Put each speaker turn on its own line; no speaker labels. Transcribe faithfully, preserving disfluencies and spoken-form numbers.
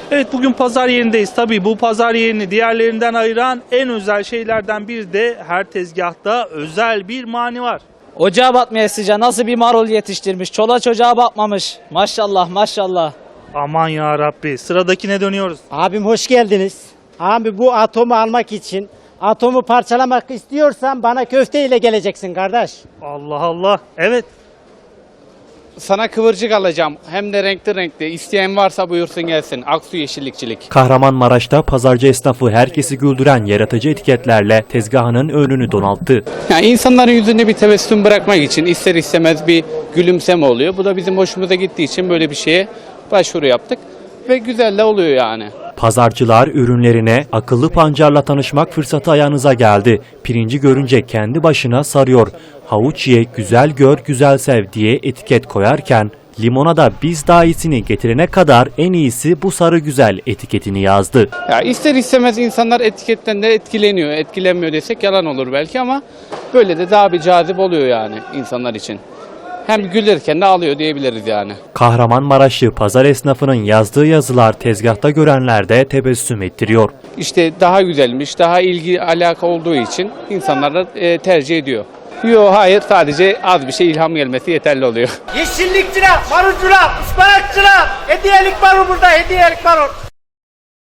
Evet, bugün pazar yerindeyiz. Tabii bu pazar yerini diğerlerinden ayıran en özel şeylerden biri de her tezgahta özel bir mani var.
Ocağa batmaya sıcağı nasıl bir marul yetiştirmiş. Çola çocuğa bakmamış. Maşallah maşallah.
Aman ya Rabbi, sıradakine dönüyoruz.
Abim hoş geldiniz. Abi bu atomu almak için, atomu parçalamak istiyorsan bana köfte ile geleceksin kardeş.
Allah Allah. Evet.
Sana kıvırcık alacağım. Hem de renkli renkli. İsteyen varsa buyursun gelsin. Aksu Yeşillikçilik.
Kahramanmaraş'ta pazarcı esnafı herkesi güldüren yaratıcı etiketlerle tezgahının önünü donalttı.
Yani insanların yüzünde bir tebessüm bırakmak için ister istemez bir gülümseme oluyor. Bu da bizim hoşumuza gittiği için böyle bir şeye başvuru yaptık. Ve güzel de oluyor yani.
Pazarcılar ürünlerine akıllı pancarla tanışmak fırsatı ayağınıza geldi. Pirinci görünce kendi başına sarıyor. Havuç ye, güzel gör, güzel sev diye etiket koyarken limona da biz daha iyisini getirene kadar en iyisi bu sarı güzel etiketini yazdı.
Ya ister istemez insanlar etiketten de etkileniyor. Etkilenmiyor desek yalan olur belki ama böyle de daha bir cazip oluyor yani insanlar için. Hem gülürken de ağlıyor diyebiliriz yani.
Kahramanmaraşlı pazar esnafının yazdığı yazılar tezgahta görenlerde tebessüm ettiriyor.
İşte daha güzelmiş, daha ilgi alaka olduğu için insanlar da e, tercih ediyor. Yok hayır, sadece az bir şey ilham gelmesi yeterli oluyor.
Yeşillikçiler, marulcular, ıspanakçılar, hediyelik marul burada, hediyelik marul.